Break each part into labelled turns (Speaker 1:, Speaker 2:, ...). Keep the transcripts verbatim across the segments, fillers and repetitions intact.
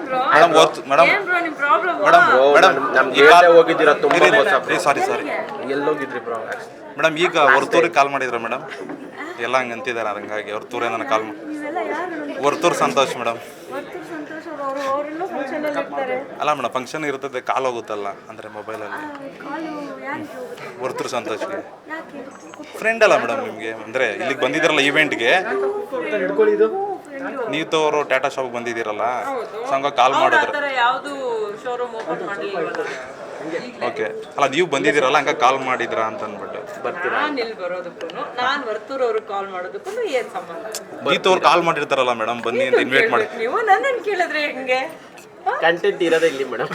Speaker 1: Madam madam madam
Speaker 2: ನಮ್ಗೆ ಹೋಗಿದ್ದೀರಾ ತುಂಬಾ
Speaker 1: ಸಾರಿ ಸಾರಿ
Speaker 2: ಎಲ್ಲೋಗಿದ್ರಿ ಬ್ರೋ?
Speaker 1: ಮೇಡಮ್ ಈಗ ಹೊರ್ತೂರಿಗೆ ಕಾಲ್ ಮಾಡಿದ್ರ ಮೇಡಮ್, ಎಲ್ಲ ಹಂಗೆ ಅಂತಿದ್ದಾರೆ, ಹಂಗಾಗಿ ಹೊರ್ತೂರೇ ನನಗೆ ಕಾಲ್ ಮಾಡಿ ಹೊರ್ತೂರು ಸಂತೋಷ್ ಮೇಡಮ್. ಅಲ್ಲ ಮೇಡಮ್ ಫಂಕ್ಷನ್ ಇರ್ತದೆ, ಕಾಲ್ ಹೋಗುತ್ತಲ್ಲ ಅಂದರೆ ಮೊಬೈಲಲ್ಲಿ. ಹೊರ್ತೂರು ಸಂತೋಷ್ಗೆ ಫ್ರೆಂಡ್ ಅಲ್ಲ ಮೇಡಮ್ ನಿಮಗೆ, ಅಂದರೆ ಇಲ್ಲಿಗೆ ಬಂದಿದ್ದೀರಲ್ಲ ಈವೆಂಟ್ಗೆ, ನೀವು ತೋರು ಟಾಟಾ ಶಾಪ್ಗೆ ಬಂದಿದ್ದೀರಲ್ಲ, ಸಂಘ ಕಾಲ್ ಮಾಡಿದ್ರೆ ಓಕೆ ಅಲ್ಲ ನೀವು ಬಂದಿದ್ದೀರಲ್ಲ ಹಂಗ ಕಾಲ್ ಮಾಡಿದ್ರಾ ಅಂತ ಅಂದ್ಬಿಟ್ಟು.
Speaker 3: ನಾನು ಇಲ್ಲಿ ಬರೋದಕ್ಕೂ ನಾನು ವರ್ತೂರ್ ಅವ್ರಿಗೆ ಕಾಲ್ ಮಾಡೋದಕ್ಕೂ ಏನ್ ಸಂಬಂಧ?
Speaker 1: ಗೀತವ್ರು ಕಾಲ್ ಮಾಡಿರ್ತಾರಲ್ಲ ಮೇಡಮ್, ಬನ್ನಿ ಅಂತ ಇನ್ವೈಟ್ ಮಾಡಿ.
Speaker 3: ನೀವು ನನ್ನನ್ನು ಕೇಳಿದ್ರೆ ಹೆಂಗೆ?
Speaker 2: ಕಂಟೆಂಟ್ ಇರೋದೇ ಇಲ್ಲಿ ಮೇಡಮ್.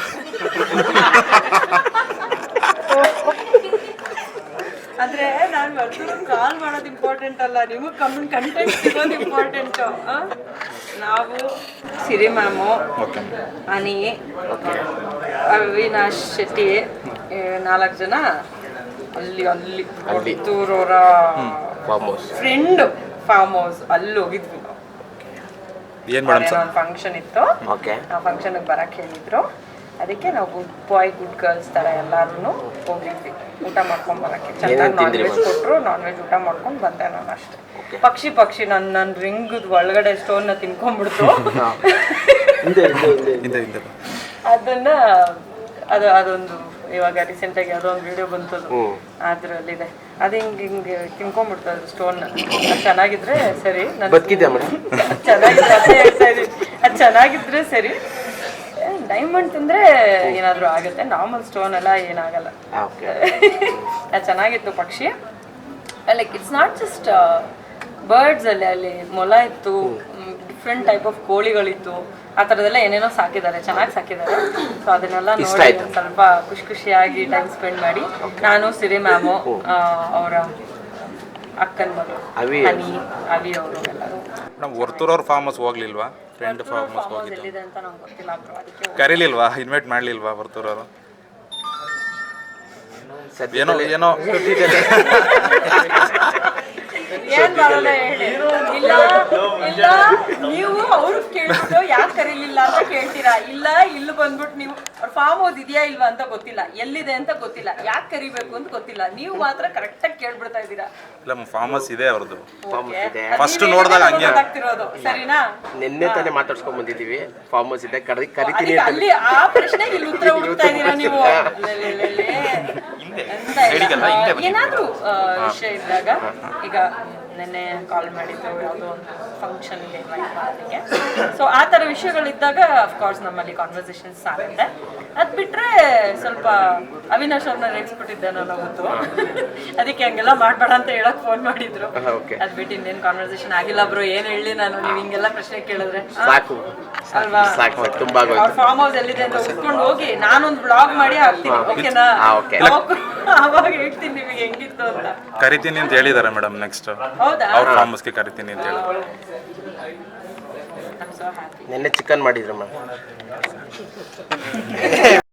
Speaker 3: ಅಂದ್ರೆ ನಾನು ವರ್ತೂರ್ ಕಾಲ್ ಮಾಡೋದು ಇಂಪಾರ್ಟೆಂಟ್ ಅಲ್ಲ, ನಿಮಗೆ ಕಮ್ಮಿ ಕಂಟೆಂಟ್ ಸಿಗೋದು ಇಂಪಾರ್ಟೆಂಟು. ನಾವು ಸಿರಿ ಮ್ಯಾಮು, ಅನಿ, ಅವಿನಾಶ್ ಶೆಟ್ಟಿ, ನಾಲ್ಕು ಜನ ಅಲ್ಲಿ ಅಲ್ಲಿ ವರ್ತೂರವರ ಫ್ರೆಂಡ್ ಫಾರ್ಮ್ ಹೌಸ್ ಅಲ್ಲಿ ಹೋಗಿದ್ವಿ ನಾವು.
Speaker 1: ಏನು ಮೇಡಮ್
Speaker 3: ಒಂದು ಫಂಕ್ಷನ್ ಇತ್ತು, ಆ ಫಂಕ್ಷನ್ಗೆ ಬರಕ್ಕೆ ಹೇಳಿದ್ರು, ಅದಕ್ಕೆ ನಾವು ಗುಡ್ ಬಾಯ್ ಗುಡ್ ಗರ್ಲ್ಸ್ ಥರ ಎಲ್ಲರೂ ಹೋಗಿದ್ವಿ ಊಟ ಮಾಡ್ಕೊಂಡು ಬರೋಕ್ಕೆ. ಚೆನ್ನಾಗಿ ನಾನ್ ವೆಜ್ ಕೊಟ್ಟರು, ನಾನ್ ವೆಜ್ ಊಟ ಮಾಡ್ಕೊಂಡು ಬಂದೆ ನಾನು ಅಷ್ಟೇ. ಪಕ್ಷಿ ಪಕ್ಷಿ ನನ್ನ ನನ್ನ ರಿಂಗದ ಒಳಗಡೆ ಸ್ಟೋನ್ನ ತಿನ್ಕೊಂಡ್ಬಿಡ್ತು. ಅದನ್ನ ಅದು ಅದೊಂದು ಇವಾಗ ರೀಸೆಂಟಾಗಿ ಅದೊಂದು ವಿಡಿಯೋ ಬಂತದು, ಅದರಲ್ಲಿದೆ. ಅದು ಹಿಂಗೆ ಹಿಂಗೆ ತಿನ್ಕೊಂಡ್ಬಿಡ್ತು ಅದು ಸ್ಟೋನ್ನ. ಅದು ಚೆನ್ನಾಗಿದ್ರೆ ಸರಿ, ನಾನು ಚೆನ್ನಾಗಿದ್ರೆ ಅದೇ ಹೇಳ್ತಾ ಇದ್ದೀನಿ, ಅದು ಚೆನ್ನಾಗಿದ್ರೆ ಸರಿ. ಡೈಮಂಡ್ ತಿಂದರೆ ಏನಾದರೂ ಆಗುತ್ತೆ, ನಾರ್ಮಲ್ ಸ್ಟೋನ್ ಎಲ್ಲ ಏನಾಗಲ್ಲ. ಅದು ಚೆನ್ನಾಗಿತ್ತು ಪಕ್ಷಿ. Like it's not just birds ಅಲ್ಲಿ, ಅಲ್ಲಿ ಮೊಲ ಇತ್ತು, ಡಿಫ್ರೆಂಟ್ ಟೈಪ್ ಆಫ್ ಕೋಳಿಗಳಿತ್ತು, ಆ ಥರದ್ದೆಲ್ಲ ಏನೇನೋ ಸಾಕಿದ್ದಾರೆ, ಚೆನ್ನಾಗಿ ಸಾಕಿದ್ದಾರೆ. ಸೊ ಅದನ್ನೆಲ್ಲ ನೋಡಿ ಸ್ವಲ್ಪ ಖುಷಿ ಖುಷಿಯಾಗಿ ಟೈಮ್ ಸ್ಪೆಂಡ್ ಮಾಡಿ, ನಾನು ಸಿರಿ ಮ್ಯಾಮು, ಅವರ ಅಕ್ಕನ ಮಗಳು ಹನಿ, ಅವಿ ಅವರು ಎಲ್ಲರೂ.
Speaker 1: ನಮ್ಮ ಹೊರ್ತೂರವ್ರ ಫಾರ್ಮ್ ಹೌಸ್ ಹೋಗ್ಲಿಲ್ವಾ? ಫ್ರೆಂಡ್ ಫಾರ್ಮ್ ಹೌಸ್ ಹೋಗಿದ್ದು
Speaker 3: ಎಲ್ಲಿದೆ ಅಂತ ನಂಗೆ ಗೊತ್ತಿಲ್ಲ ಬ್ರೋ, ಅದಕ್ಕೆ
Speaker 1: ಕರೀಲಿಲ್ವಾ? ಇನ್ವೈಟ್ ಮಾಡಲಿಲ್ವಾ ಹೊರ್ತೂರವರು? ಏನೋ ಏನೋ
Speaker 3: ಏನ್ ಮಾಡೋಣ ಹೇಳಿ. ಇಲ್ಲ ಇಲ್ಲ ನೀವು ಅವ್ರು ಕೇಳ್ಬಿಟ್ಟು ಯಾಕೆ ಕರೀಲಿಲ್ಲ ಅಂತ ಕೇಳ್ತೀರಾ. ಇಲ್ಲ ಇಲ್ಲಿ ಬಂದ್ಬಿಟ್ಟು ನೀವು ಅವ್ರ ಫಾರ್ಮ್ ಹೌಸ್ ಇದೆಯಾ ಇಲ್ವಾ ಅಂತ ಗೊತ್ತಿಲ್ಲ, ಎಲ್ಲಿದೆ ಅಂತ ಗೊತ್ತಿಲ್ಲ, ಯಾಕೆ ಕರಿಬೇಕು ಅಂತ ಗೊತ್ತಿಲ್ಲ, ನೀವು ಮಾತ್ರ ಕರೆಕ್ಟಾಗಿ ಕೇಳ್ಬಿಡ್ತಾ ಇದ್ದೀರಾ.
Speaker 1: ಇಲ್ಲ ಫಾರ್ಮ್ ಹೌಸ್ ಇದೆ ಅವ್ರದ್ದು, ಫಸ್ಟ್ ನೋಡಿದಾಗ ಹಂಗೆ
Speaker 3: ಆಗ್ತಿರೋದು. ಸರಿನಾ?
Speaker 2: ನಿನ್ನೆ ತಾನೇ ಮಾತಾಡ್ಸ್ಕೊಂಡ್ ಬಂದಿದ್ದೀವಿ, ಫಾರ್ಮ್ ಹೌಸ್ ಇದೆ ಕರಿತೀನಿ
Speaker 3: ಅಲ್ಲಿ ಆ ಪ್ರಶ್ನೆಗೆ ಇಲ್ಲಿ ಉತ್ತರ ಹುಡುಕ್ತಾ ಇದ್ದೀರಾ ನೀವು. ಏನಾದ್ರೂ ವಿಷಯ ಇದ್ದಾಗ, ಈಗ ನೆನ್ನೆ ಕಾಲ್ ಮಾಡಿದ್ದು ಯಾವುದೋ ಒಂದು ಫಂಕ್ಷನ್ಗೆ ಇನ್ವೈಟ್ ಮಾಡೋದಕ್ಕೆ, ಸೊ ಆ ಥರ ವಿಷಯಗಳಿದ್ದಾಗ ಅಫ್ಕೋರ್ಸ್ ನಮ್ಮಲ್ಲಿ ಕಾನ್ವರ್ಸೇಷನ್ಸ್ ಆಗುತ್ತೆ. ಅದು ಬಿಟ್ಟರೆ ಸ್ವಲ್ಪ ಅವಿನಾಶ್ ಅವ್ರನ್ನ ರೇಗಿಸ್ಬಿಟ್ಟಿದ್ದೆ ನಾನು ಅವತ್ತು, ಅದಕ್ಕೆ ಹಂಗೆಲ್ಲ ಮಾಡಬೇಡ ಅಂತ ಹೇಳಕ್ ಫೋನ್ ಮಾಡಿದ್ರು. ಅದು ಬಿಟ್ಟು ಇನ್ನೇನು ಕಾನ್ವರ್ಸೇಷನ್ ಆಗಿಲ್ಲ ಬ್ರೋ. ಏನು ಹೇಳಿ ನಾನು, ನೀವು ಹಿಂಗೆಲ್ಲ ಪ್ರಶ್ನೆ ಕೇಳಿದ್ರೆ ಅಲ್ವಾ? ಅವ್ರ ಫಾರ್ಮ್ ಹೌಸ್ ಎಲ್ಲಿದೆ ಅಂತ ಹುಡ್ಕೊಂಡು ಹೋಗಿ ನಾನೊಂದು ಬ್ಲಾಗ್ ಮಾಡಿ ಹಾಕ್ತೀನಿ, ಓಕೆನಾ? ಅವಾಗ ಹೇಳ್ತೀನಿ ನಿಮಗೆ ಹೆಂಗಿತ್ತು ಅಂತ.
Speaker 1: ಕರಿತೀನಿ ಅಂತ ಹೇಳಿದ್ದಾರೆ ಮೇಡಮ್, ನೆಕ್ಸ್ಟ್
Speaker 3: ಹೌದಾ?
Speaker 1: ಅವ್ರ ಫಾರ್ಮ್ ಹೌಸ್ಗೆ ಕರಿತೀನಿ ಅಂತ ಹೇಳಿದ್ರು.
Speaker 2: ನಿನ್ನೆ ಚಿಕನ್ ಮಾಡಿದ್ರು ಮ್ಯಾಮ್.